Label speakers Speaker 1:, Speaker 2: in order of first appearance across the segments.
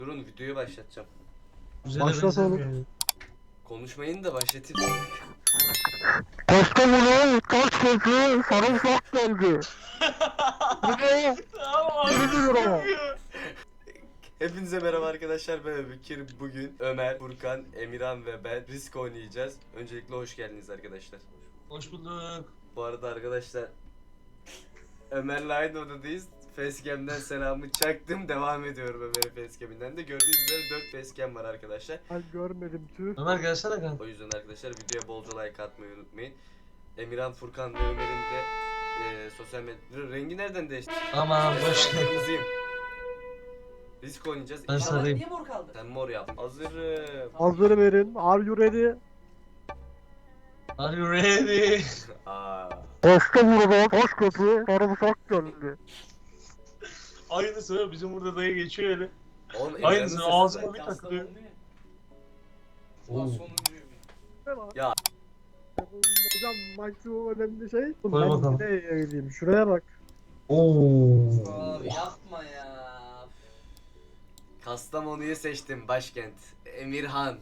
Speaker 1: Durun videoyu başlatacağım.
Speaker 2: Başlatalım.
Speaker 1: Konuşmayın da başlatayım.
Speaker 2: Kastamonu, kaç kişi sarımsak geldi. Buraya
Speaker 3: Tamam
Speaker 2: 20 lira.
Speaker 1: Hepinize merhaba arkadaşlar, ben Öbükir. Bugün Ömer, Furkan, Emirhan ve ben Risk oynayacağız. Öncelikle hoş geldiniz arkadaşlar.
Speaker 3: Hoş bulduk.
Speaker 1: Bu arada arkadaşlar Ömer'le aynı odadayız. Facecam'den selamı çaktım. Devam ediyorum Ömer'in facecam'inden de. Gördüğünüz üzere 4 facecam var arkadaşlar.
Speaker 2: Ben görmedim tüh.
Speaker 3: Ömer gelsene kanka.
Speaker 1: O yüzden arkadaşlar videoya bolca like atmayı unutmayın. Emirhan, Furkan ve Ömer'in de sosyal medya rengi nereden değişti?
Speaker 3: Aman boş.
Speaker 1: Ben kırmızıyım. Risk oynayacağız.
Speaker 3: Ben
Speaker 1: İnşallah
Speaker 3: sarayım.
Speaker 4: Niye mor kaldı?
Speaker 1: sen mor yap. Hazırım.
Speaker 2: Hazır verin. Are you ready?
Speaker 3: Are you ready?
Speaker 1: Aa.
Speaker 2: Kastamonu'dan kaç kişi sarımsak geldi.
Speaker 3: Aynısı bizim burada dayı geçiyor öyle.
Speaker 1: Oğlum
Speaker 3: Aynısı
Speaker 1: Emirhan'ın
Speaker 3: ağzıma
Speaker 1: sesi
Speaker 3: bir
Speaker 1: zaten.
Speaker 3: takılıyor.
Speaker 4: Ulan
Speaker 3: Oo.
Speaker 4: sonuncuyum.
Speaker 1: Ya.
Speaker 2: Hocam maksimum önemli şey.
Speaker 3: Koy
Speaker 2: Ben
Speaker 3: bakalım.
Speaker 2: nereye yayılayım? Şuraya bak.
Speaker 3: Oo.
Speaker 4: Abi yapma ya.
Speaker 1: Kastamonu'yu seçtim başkent. Emirhan.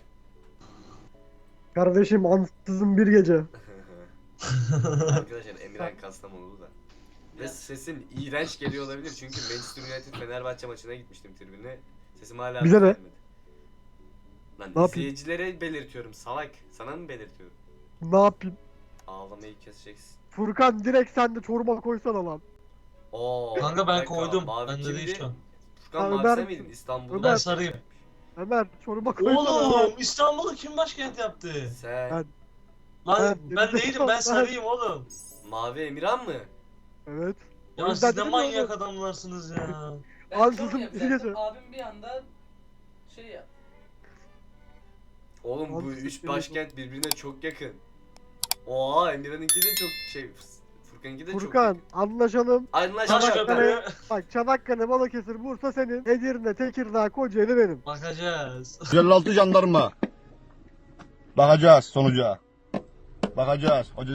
Speaker 2: Kardeşim ansızın bir gece.
Speaker 1: Arkadaşlar Emirhan Kastamonulu da. Ve sesim iğrenç geliyor olabilir çünkü Manchester United Fenerbahçe maçına gitmiştim tribüne. Sesim hala
Speaker 2: Bize ne?
Speaker 1: gelmedi. Lan
Speaker 2: Ne yapayım?
Speaker 1: izleyicilere belirtiyorum salak. Sana mı belirtiyorum?
Speaker 2: Ne yapayım?
Speaker 1: Ağlamayı keseceksin.
Speaker 2: Furkan direkt sen de çorba koysana lan.
Speaker 1: Oo.
Speaker 3: Kanka
Speaker 1: bir
Speaker 3: ben
Speaker 1: dakika,
Speaker 3: koydum.
Speaker 1: Mavi
Speaker 3: Bende
Speaker 1: kimdi?
Speaker 3: değil şu an.
Speaker 1: Furkan
Speaker 2: Ha,
Speaker 1: Mavi
Speaker 2: Ömer
Speaker 1: sen miydin?
Speaker 2: misin?
Speaker 1: İstanbul'da.
Speaker 3: Ben
Speaker 2: Ömer.
Speaker 3: sarayım.
Speaker 2: Ömer çorba koysana.
Speaker 3: Oğlum İstanbul'u kim başkent yaptı?
Speaker 1: Sen.
Speaker 2: Ben.
Speaker 3: Lan
Speaker 2: Ben-
Speaker 3: ben değilim ben sarayım oğlum.
Speaker 1: Mavi Emirhan mı?
Speaker 2: Evet. O
Speaker 3: Ya
Speaker 2: yüzden
Speaker 3: siz de
Speaker 2: dedim ya
Speaker 3: manyak
Speaker 2: oğlum.
Speaker 3: adamlarsınız ya.
Speaker 4: Ben
Speaker 2: Ansızın
Speaker 4: çok
Speaker 2: bir
Speaker 4: yapacaktım.
Speaker 2: gece.
Speaker 4: Abim bir anda şey yap.
Speaker 1: Oğlum bu
Speaker 2: Ansızın
Speaker 1: üç
Speaker 2: bir
Speaker 1: başkent birbirine çok yakın. Oha Emirhan'ınki de çok şey. Furkan'ınki de çok
Speaker 2: Furkan
Speaker 1: yakın.
Speaker 2: anlaşalım.
Speaker 3: Taş
Speaker 1: Anlaşıldı.
Speaker 3: köprü.
Speaker 2: Bak Çanakkale, Balıkesir, Bursa senin. Edirne, Tekirdağ, Kocaeli benim.
Speaker 3: Bakacağız.
Speaker 5: 156 jandarma. Bakacağız sonuca. Bakacağız. Hoca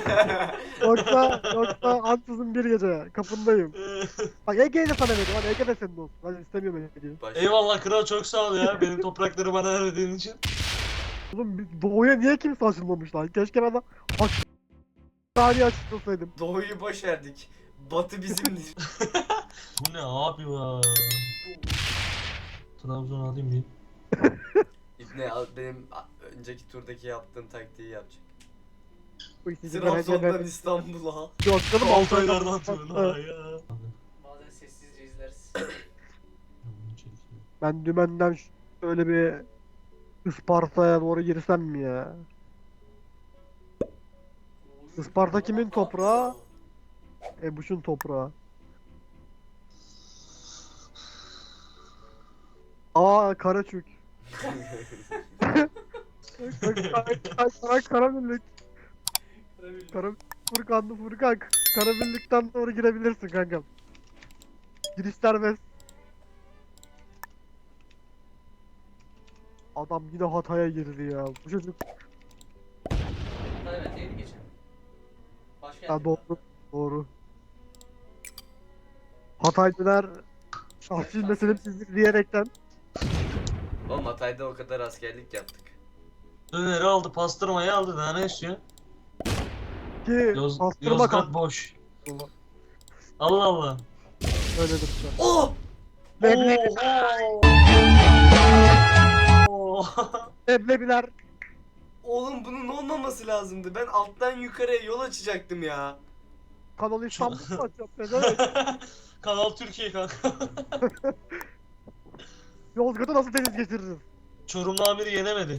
Speaker 2: Yoksa ansızın bir gece kapındayım. Bak Ege'yi de sana veriyorum. Hadi Ege de senin olsun. Ben istemiyorum Ege'yi.
Speaker 3: Eyvallah kral çok sağ ol ya benim toprakları bana verdiğin için.
Speaker 2: Oğlum doğuya niye kimse açılmamış lan? Keşke ben de saniye açılsaydım.
Speaker 1: Doğuyu boş verdik. Batı bizimdir.
Speaker 3: Bu ne abi ya? Trabzon alayım bir.
Speaker 1: İbne al benim önceki turdaki yaptığım taktiği yapacak.
Speaker 2: Bu ikisi de
Speaker 1: Trabzon'dan
Speaker 2: Ege'den-
Speaker 1: İstanbul'a.
Speaker 2: Yok canım
Speaker 3: Altaylardan tırnağa ya.
Speaker 4: Bazen sessizce izleriz.
Speaker 2: Ben dümenden şöyle bir Isparta'ya doğru girsem mi ya? Isparta kimin toprağı? Ebuş'un toprağı. Aa Karaçük. Karabirlik. Furkan. Karabirlik'ten doğru girebilirsin kankam. Giriş serbest. Adam yine Hatay'a girdi ya. Bu çocuk
Speaker 4: Evet yeni geçen. Başkent.
Speaker 2: ya doğru. Hataylılar şahsi meselesizlik diyerekten
Speaker 1: Oğlum Hatay'da o kadar askerlik yaptık.
Speaker 3: Döneri aldı, pastırmayı aldı. Daha ne istiyor?
Speaker 2: ki pastırma
Speaker 3: Yozgat
Speaker 2: kaldı.
Speaker 3: boş. Allah Allah.
Speaker 2: Öyledir işte.
Speaker 1: Oh!
Speaker 2: Leblebiler.
Speaker 1: Oğlum bunun olmaması lazımdı. Ben alttan yukarıya yol açacaktım ya.
Speaker 2: Kanal İstanbul'u açacağım. Evet.
Speaker 3: Kanal Türkiye kanka.
Speaker 2: Yozgat'ı nasıl deniz geçiririz?
Speaker 3: Çorumlu amiri yenemedi.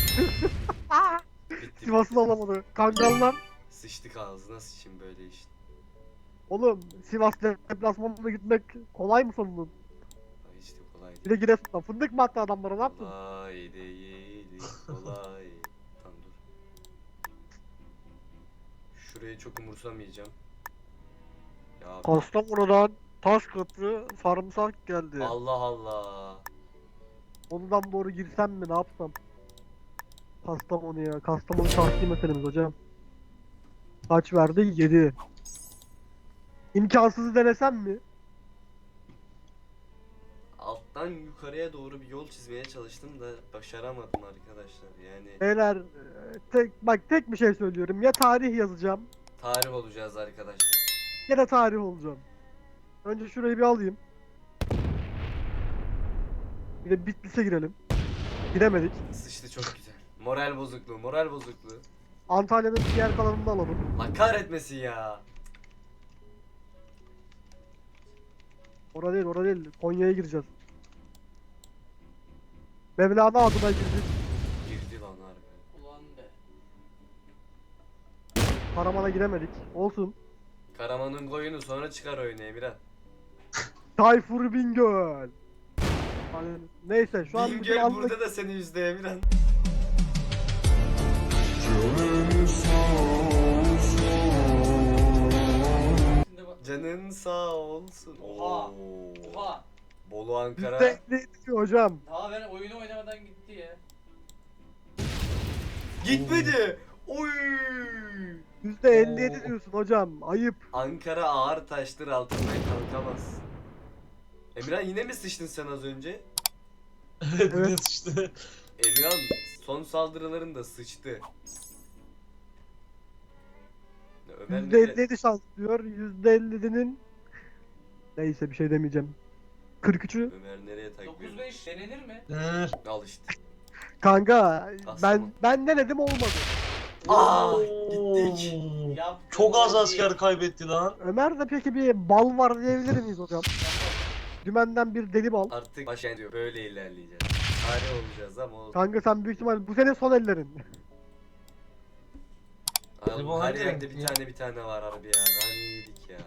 Speaker 1: Bitti.
Speaker 2: Sivas'ı alamadı. Kangallar.
Speaker 1: Sıçtık ağzına sıçayım böyle işte.
Speaker 2: Oğlum Sivas deplasmanına gitmek kolay mı sonunun?
Speaker 1: Ay işte kolay
Speaker 2: Bir
Speaker 1: değil.
Speaker 2: de Giresun'da fındık mı attı adamlara ne yaptın?
Speaker 1: Kolay değil. Kolay. Tamam dur. Şurayı çok umursamayacağım. Ya
Speaker 2: Kastamonu'dan Taşköprü sarımsak geldi.
Speaker 1: Allah Allah.
Speaker 2: Ondan doğru girsem mi ne yapsam? Kastamonu'ya. Kastamonu şahsi meselemiz hocam. Kaç verdi? 7. İmkansızı denesem mi?
Speaker 1: Alttan Ben yukarıya doğru bir yol çizmeye çalıştım da başaramadım arkadaşlar. Yani
Speaker 2: Beyler tek bir şey söylüyorum. Ya tarih yazacağım
Speaker 1: tarih olacağız arkadaşlar.
Speaker 2: ya da tarih olacağım. Önce şurayı bir alayım. Bir de Bitlis'e girelim. Giremedik.
Speaker 1: Sıçtı çok güzel. Moral bozukluğu, moral bozukluğu.
Speaker 2: Antalya'nın diğer kalanını da alalım.
Speaker 1: Allah kahretmesin ya.
Speaker 2: Orada değil. Konya'ya gireceğiz. Mevlana adına girdik.
Speaker 1: Girdi lan harbi.
Speaker 4: Ulan be.
Speaker 2: Karaman'a giremedik. Olsun.
Speaker 1: Karaman'ın koyunu sonra çıkar oyunu Emirhan.
Speaker 2: Tayfur Bingöl. Hani, neyse şu an bütün
Speaker 1: Bingöl
Speaker 2: anlık-
Speaker 1: burada da seni üzdü Emirhan.
Speaker 4: Şimdi bak.
Speaker 1: Canın sağ olsun.
Speaker 4: Oha.
Speaker 1: Oo.
Speaker 4: Oha.
Speaker 1: Bolu Ankara.
Speaker 2: %50 diyor hocam.
Speaker 4: Daha ben oyunu oynamadan gitti ya.
Speaker 1: Gitmedi. Oy.
Speaker 2: %57 diyorsun hocam. Ayıp.
Speaker 1: Ankara ağır taştır altından kalkamaz. Emirhan yine mi sıçtın sen az önce?
Speaker 3: Evet,
Speaker 2: Evet.
Speaker 3: evet işte.
Speaker 1: Emirhan son saldırılarında sıçtı. Ömer nereye?
Speaker 2: %57 şans diyor. %50'nin neyse bir şey demeyeceğim. 43'ü
Speaker 1: Ömer nereye takıyor?
Speaker 4: 9-5 denenir mi?
Speaker 3: Denenir.
Speaker 1: Al işte.
Speaker 2: kanka
Speaker 1: Aslan.
Speaker 2: ben denedim olmadı.
Speaker 1: Aa,
Speaker 3: Oo.
Speaker 1: gittik.
Speaker 4: Yaptım
Speaker 3: Çok az
Speaker 4: hadi.
Speaker 3: asker kaybetti lan.
Speaker 2: Ömer'de peki bir bal var diyebilir miyiz hocam? Dümenden bir deli bal.
Speaker 1: Artık başa diyor. Böyle ilerleyeceğiz. Tarih olacağız ama o...
Speaker 2: Kanka sen büyük ihtimal bu sene son ellerin.
Speaker 1: Oğlum,
Speaker 3: Bu
Speaker 1: her
Speaker 3: hangi
Speaker 1: yerde
Speaker 3: renk
Speaker 1: bir
Speaker 3: ya?
Speaker 1: tane var harbi ya. Nane yedik ya.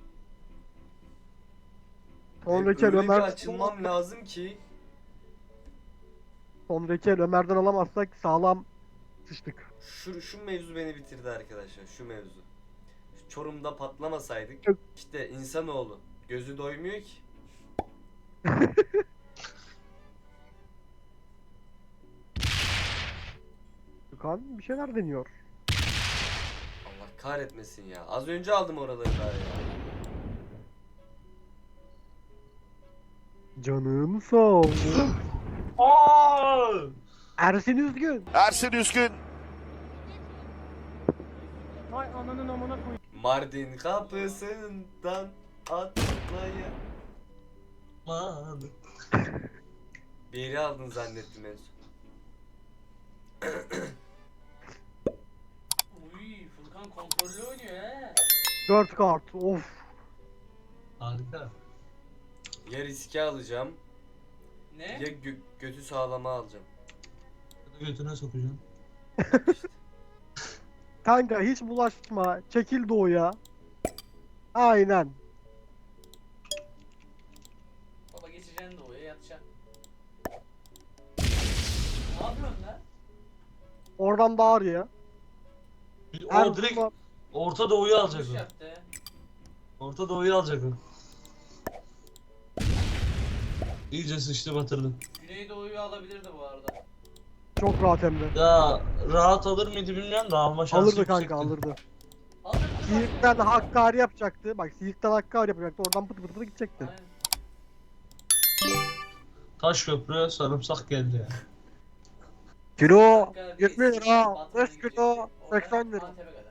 Speaker 2: Sonraki el
Speaker 1: Öyle bir
Speaker 2: Ömer
Speaker 1: açılmam lazım ki.
Speaker 2: sonraki el Ömer'den alamazsak sağlam sıçtık.
Speaker 1: Şu mevzu beni bitirdi arkadaşlar. Şu mevzu. Şu Çorum'da patlamasaydık.
Speaker 2: Yok.
Speaker 1: İşte insanoğlu. Gözü doymuyor ki.
Speaker 2: Gökhan bir şeyler deniyor.
Speaker 1: Allah kahretmesin ya. Az önce aldım oraları daha ya.
Speaker 2: Canım sağ olsun.
Speaker 3: Aa!
Speaker 2: Ersin Üzgün.
Speaker 5: Ersin Üskün.
Speaker 2: Hay ananın amına koy.
Speaker 1: Mardin kapısından atlaya.
Speaker 3: Aman.
Speaker 1: Bir yeri aldın zannettim en son.
Speaker 4: Uy Furkan kontrollü oynuyor he.
Speaker 2: 4 kart. Of.
Speaker 3: Harika.
Speaker 1: Ya riske alacağım
Speaker 4: Ne?
Speaker 1: ya götü sağlama alacağım.
Speaker 3: Götüne sokacağım.
Speaker 1: İşte.
Speaker 2: Kanka hiç bulaşma. Çekil doğuya. Aynen.
Speaker 4: Baba geçeceksin de oraya yatacaksın. Ne yapıyorsun lan?
Speaker 2: Oradan bağır ya.
Speaker 3: O direkt Orta Doğu'yu alacak
Speaker 4: Yanlış
Speaker 3: o.
Speaker 4: yaptı.
Speaker 3: Orta Doğu'yu alacak o. İyice sıçtı batırdı.
Speaker 4: Güneydoğu'yu alabilirdi bu arada.
Speaker 2: Çok rahat hem de.
Speaker 3: Ya rahat alır mıydı bilmiyorum da alma şansı
Speaker 2: Alırdı
Speaker 3: yüksekti.
Speaker 2: kanka alırdı.
Speaker 4: Alırdı.
Speaker 2: Siirt'ten Hakkari yapacaktı. Bak Siirt'ten Hakkari yapacaktı. Oradan pıtı pıtı pıtı gidecekti.
Speaker 4: Aynen.
Speaker 3: Taş köprü sarımsak geldi ya.
Speaker 2: Kilo
Speaker 4: Hakkari,
Speaker 2: 70 lira.
Speaker 4: Batman'a
Speaker 2: 5 kilo
Speaker 4: gidecekti.
Speaker 2: 80 lira.
Speaker 4: Oradan Antep'e kadar.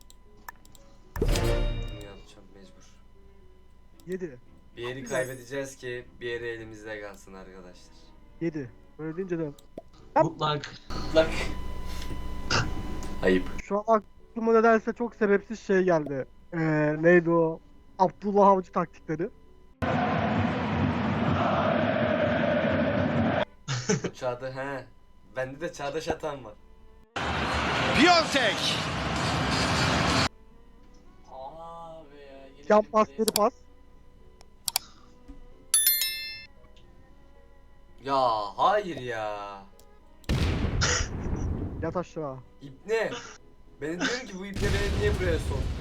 Speaker 1: Bunu yapacağım mecbur.
Speaker 2: 7.
Speaker 1: Bir yeri kaybedeceğiz ki bir yeri elimizde kalsın arkadaşlar.
Speaker 2: 7. Öyle deyince de.
Speaker 3: Mutlak.
Speaker 4: Lak.
Speaker 1: Ayıp.
Speaker 2: Şu an aklıma nedense çok sebepsiz şey geldi. Neydi o? Abdullah Avcı taktikleri.
Speaker 1: Çağda he. Bende de çağdaş atan var.
Speaker 5: Piontek.
Speaker 4: Abi ya. Yine
Speaker 2: Yan
Speaker 4: bir
Speaker 2: pas
Speaker 4: reis.
Speaker 2: geri pas.
Speaker 1: Ya hayır ya.
Speaker 2: Yat aşağı.
Speaker 1: İpne. Ben de diyorum ki bu ipne beni niye buraya soktu?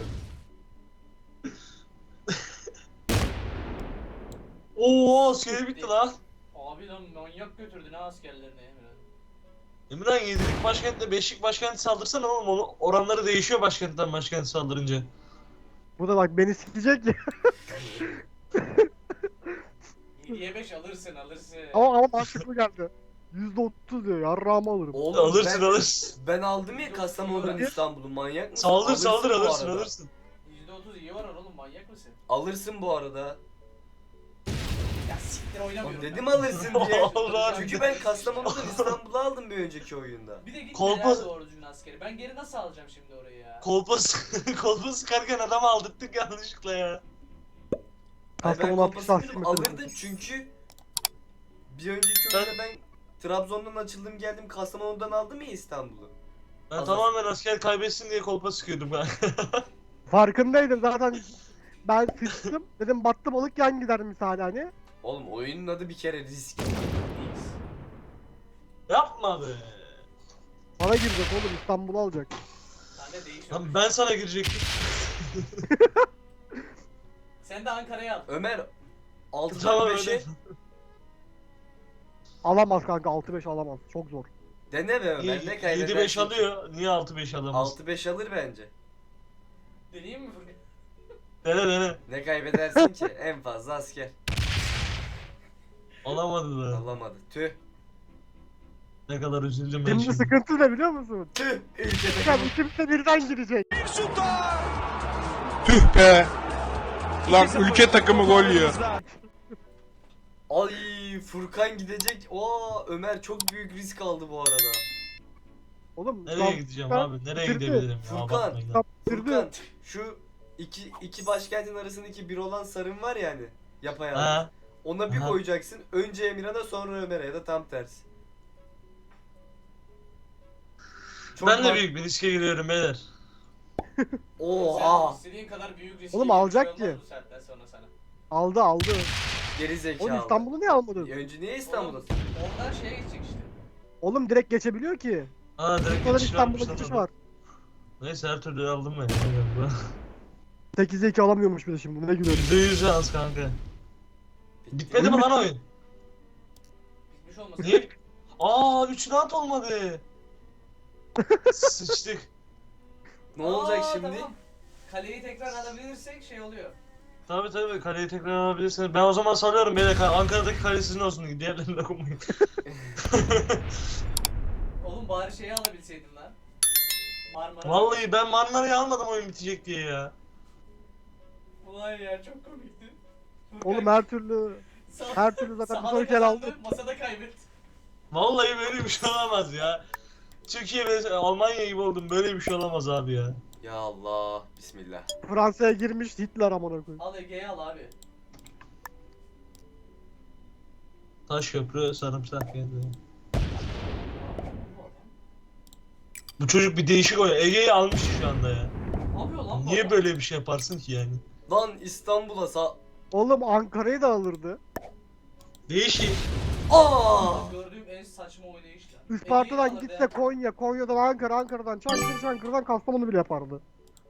Speaker 3: Oo askeri bitti lan.
Speaker 4: Abi lan manyak götürdü ne askerlerini Emre.
Speaker 3: Emirhan 7'lik başkentle 5'lik başkenti saldırsana oğlum, onu oranları değişiyor başkentten başkenti saldırınca.
Speaker 2: Bu da bak beni sikecek ya.
Speaker 4: 7'ye 5 alırsın.
Speaker 2: Ama mantıklı geldi. %30 diyor. Yarrağımı alırım.
Speaker 1: Oğlum
Speaker 3: Alırsın
Speaker 1: ben,
Speaker 3: alırsın.
Speaker 1: ben aldım ya Kastamonu'dan İstanbul'u, manyak mısın?
Speaker 3: Saldır
Speaker 1: Alırsın
Speaker 3: saldır
Speaker 1: bu
Speaker 3: alırsın
Speaker 1: arada.
Speaker 3: alırsın.
Speaker 4: %30 iyi var oğlum, manyak mısın?
Speaker 1: Alırsın bu arada.
Speaker 4: Ya siktir
Speaker 1: Oğlum
Speaker 4: oynamıyorum.
Speaker 1: dedim
Speaker 4: ben.
Speaker 1: alırsın diye.
Speaker 3: Allah.
Speaker 1: Çünkü ben Kastamonu'dan İstanbul'u aldım bir önceki oyunda.
Speaker 4: Bir de git
Speaker 3: Kolpa-
Speaker 4: neler doğru düzgün askeri. Ben geri nasıl alacağım şimdi orayı ya?
Speaker 3: Kolpa sıkarken adamı aldırttık yanlışlıkla ya.
Speaker 1: Ay ben
Speaker 2: Kastamonu atış
Speaker 1: kolpasını
Speaker 2: taksim
Speaker 1: dedim,
Speaker 2: meselesi.
Speaker 1: alırdım çünkü bir önceki oyunda ben Trabzon'dan açıldım geldim Kastamonu'dan aldım ya İstanbul'u.
Speaker 3: Ben
Speaker 1: Alırsın.
Speaker 3: tamamen asker kaybetsin diye kolpa sıkıyordum ben.
Speaker 2: Farkındaydım zaten. Ben sıçtım. Dedim battı balık yan gider misali hani.
Speaker 1: Oğlum oyunun adı bir kere risk.
Speaker 4: X.
Speaker 3: Yapma be.
Speaker 2: Bana girecek oğlum, İstanbul'u alacak.
Speaker 4: Sende değişiyor.
Speaker 3: Lan ben sana girecektim.
Speaker 4: Sen de Ankara'ya al.
Speaker 1: Ömer 6'dan
Speaker 3: Tamam
Speaker 1: 5'e
Speaker 3: öyle.
Speaker 2: Alamaz kanka, 6-5 alamaz. Çok zor.
Speaker 1: dene be Ömer, ne kaybedersin?
Speaker 3: 7-5 alıyor. Niye 6-5 alamaz?
Speaker 1: 6-5 alır bence.
Speaker 4: Deneyeyim mi Furkan?
Speaker 3: Dene dene.
Speaker 1: Ne kaybedersin ki? En fazla asker.
Speaker 3: Alamadı da.
Speaker 1: Alamadı. Tüh.
Speaker 3: Ne kadar üzüldüm ben
Speaker 2: Şimdi
Speaker 3: şimdi.
Speaker 2: sıkıntı ne biliyor musun?
Speaker 1: Tüh. Ülkede.
Speaker 2: Sen ikimse birden girecek.
Speaker 6: Tüh be. Lan ülke takımı gol yiyor.
Speaker 1: Ay Furkan gidecek. Oo Ömer çok büyük risk aldı bu arada.
Speaker 2: Oğlum
Speaker 3: Nereye gideceğim abi? Nereye
Speaker 2: bitirdi.
Speaker 3: gidebilirim ya?
Speaker 1: Furkan.
Speaker 3: Abartmayın lan.
Speaker 1: Furkan şu iki başkentin arasındaki bir olan sarın var ya hani yapayalnız.
Speaker 3: Ha?
Speaker 1: Ona bir
Speaker 3: Aha.
Speaker 1: koyacaksın. Önce Emirhan'a sonra Ömer'e ya da tam tersi. Çok
Speaker 3: Ben de
Speaker 1: bak-
Speaker 3: büyük bir riske giriyorum beyler.
Speaker 1: Oha.
Speaker 4: Sen istediğin kadar büyük risk.
Speaker 2: Oğlum alacak ki.
Speaker 4: Bu saatten sonra sana.
Speaker 2: Aldı.
Speaker 1: Geri zekalı.
Speaker 2: Oğlum İstanbul'u niye almadın?
Speaker 1: Önce niye İstanbul'da?
Speaker 4: Oğlum, Oradan şeye gidecek işte.
Speaker 2: Oğlum direkt geçebiliyor ki.
Speaker 3: Ha direkt
Speaker 2: Bu kadar
Speaker 3: geçiş
Speaker 2: İstanbul'a
Speaker 3: varmış lan
Speaker 2: geçiş
Speaker 3: orada.
Speaker 2: var.
Speaker 3: Neyse her türlü aldım ben. ya.
Speaker 2: 8'e 2 alamıyormuş bir de şimdi. Ne gülüyorum.
Speaker 3: %100 şans kanka. Bitmedi mi lan oyun?
Speaker 4: Bitmiş olmasın.
Speaker 3: Niye? Aa 3 rahat olmadı. Sıçtık.
Speaker 1: Ne olacak
Speaker 4: Aa,
Speaker 1: şimdi?
Speaker 4: Tamam. Kaleyi tekrar alabilirsek şey oluyor.
Speaker 3: Tabii kaleyi tekrar alabilirsiniz. Ben o zaman salıyorum beyler. Ankara'daki kale sizin olsun. Diğerlerine dokunmayın.
Speaker 4: Oğlum bari şeyi alabilseydin lan. Marmara.
Speaker 3: Vallahi ben Marmara'yı almadım oyun bitecek diye ya.
Speaker 4: Ulan ya çok komikti. Furkan,
Speaker 2: Oğlum her türlü her türlü zaten bir
Speaker 4: sahada
Speaker 2: sonraki el
Speaker 4: kazandı,
Speaker 2: aldı.
Speaker 4: Masada kaybetti.
Speaker 3: Vallahi böyle bir şey olamaz ya. Türkiye ve Almanya gibi oldum. Böyle bir şey olamaz abi ya.
Speaker 1: Ya Allah. Bismillah.
Speaker 2: Fransa'ya girmiş Hitler amına koyayım.
Speaker 4: Al Ege'yi al abi.
Speaker 3: Taş köprü sarımsak geldi. Bu çocuk bir değişik oynuyor. Ege'yi almış şu anda ya.
Speaker 4: Ne yapıyor lan bu
Speaker 3: Niye
Speaker 4: adam?
Speaker 3: böyle bir şey yaparsın ki yani?
Speaker 1: Lan İstanbul'a
Speaker 2: Oğlum Ankara'yı da alırdı.
Speaker 3: Değişik.
Speaker 1: Aa!
Speaker 4: Gördüğüm en saçma oynayış lan.
Speaker 2: Isparta'dan
Speaker 4: Ege'yi
Speaker 2: gitse
Speaker 4: alırdı
Speaker 2: Konya, Konya'dan Ankara, Ankara'dan Çankırı, Çankırı'dan Kastamonu bile yapardı.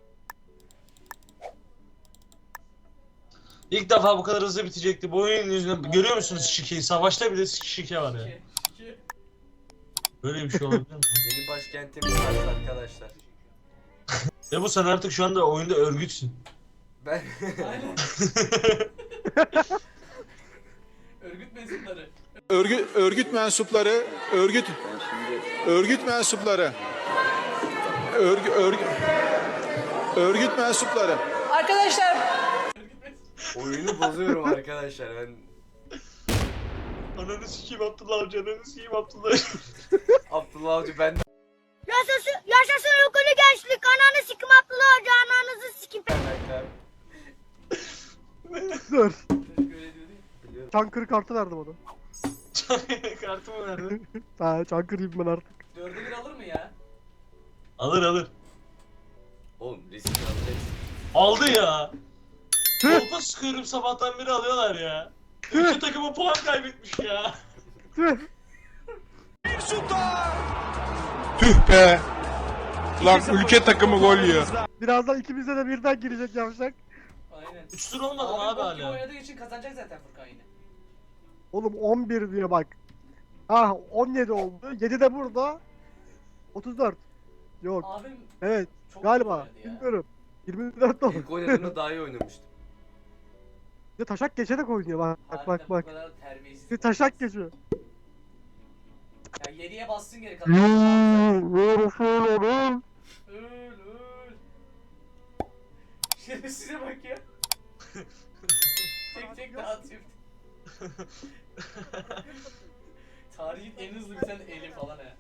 Speaker 3: İlk defa bu kadar hızlı bitecekti. Bu oyunun yüzünden görüyor musunuz şikeyi? Savaşta bile şike var ya.
Speaker 4: ya. Şike.
Speaker 3: Böyle bir şey olabilir mi?
Speaker 1: Yeni başkentimiz var arkadaşlar.
Speaker 3: Ve bu sen artık şu anda oyunda örgütsün.
Speaker 1: Ben
Speaker 4: Aynen. Örgüt mensupları.
Speaker 6: Örgüt mensupları, örgüt mensupları. Örgüt mensupları.
Speaker 7: Arkadaşlar
Speaker 4: Örgüt mensup.
Speaker 1: oyunu bozuyorum arkadaşlar. Ben
Speaker 3: Ananı sikeyim Abdullah Avcı, ananı sikeyim Abdullah.
Speaker 1: Abdullah Avcı ben
Speaker 8: Yaşasın yukarı gençlik. Ananı sikim Abdullah Hoca. Ananızı sikim.
Speaker 2: Dur.
Speaker 4: Çocuk öyle diyor değil mi?
Speaker 1: biliyorum.
Speaker 2: Çankırı kartı verdim ona.
Speaker 3: Kartımı nerede?
Speaker 2: Ha Çankırı'yım ben artık.
Speaker 4: 4'e 1 alır mı ya?
Speaker 3: Alır.
Speaker 1: Oğlum risk alacaksın.
Speaker 3: Aldı ya. Kolpa sıkıyorum sabahtan beri alıyorlar ya. İki takımı puan kaybetmiş ya.
Speaker 2: Tüh.
Speaker 6: Tüh be. Lan ülke takımı gol yiyor.
Speaker 2: Birazdan ikimize de birden girecek yavşak.
Speaker 4: Aynen.
Speaker 3: 3 tur olmadı mı abi
Speaker 4: bok gibi
Speaker 3: hala?
Speaker 4: oynadığı için kazanacak zaten Furkan yine.
Speaker 2: Oğlum 11 diyor bak. Ah 17 oldu. 7 de burada. 34. Yok.
Speaker 4: Abim
Speaker 2: Evet.
Speaker 4: çok
Speaker 2: Galiba.
Speaker 4: oynadı ya.
Speaker 2: Bilmiyorum. 24 oldu.
Speaker 1: İlk oynadığımda daha iyi oynamıştım.
Speaker 2: Bir de taşak geçerek oynuyor bak
Speaker 4: Harbiden
Speaker 2: bak
Speaker 4: bu
Speaker 2: bak.
Speaker 4: kadar terbiyesiz.
Speaker 2: Bir taşak geçiyor.
Speaker 4: Ya 7'ye bassın geri kadın. Öl öl. Şerefsize bak ya. tek dağıtıyor. Tarihin en hızlı biten eli falan he.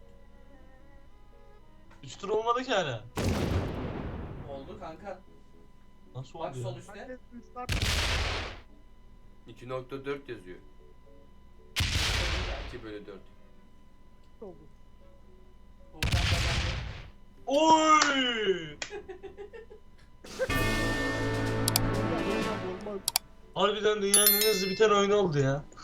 Speaker 3: 3 tur olmadı ki hala.
Speaker 4: Oldu kanka.
Speaker 3: Nasıl
Speaker 4: Bak
Speaker 3: oldu
Speaker 4: sol
Speaker 3: ya?
Speaker 4: üstte.
Speaker 2: Herkes restart
Speaker 1: 2.4 yazıyor. 2/4.
Speaker 2: oldu.
Speaker 4: Volkan kazandı.
Speaker 3: Oy!
Speaker 2: Olmaz.
Speaker 3: Harbiden dünyanın en hızlı biten oyunu oldu ya.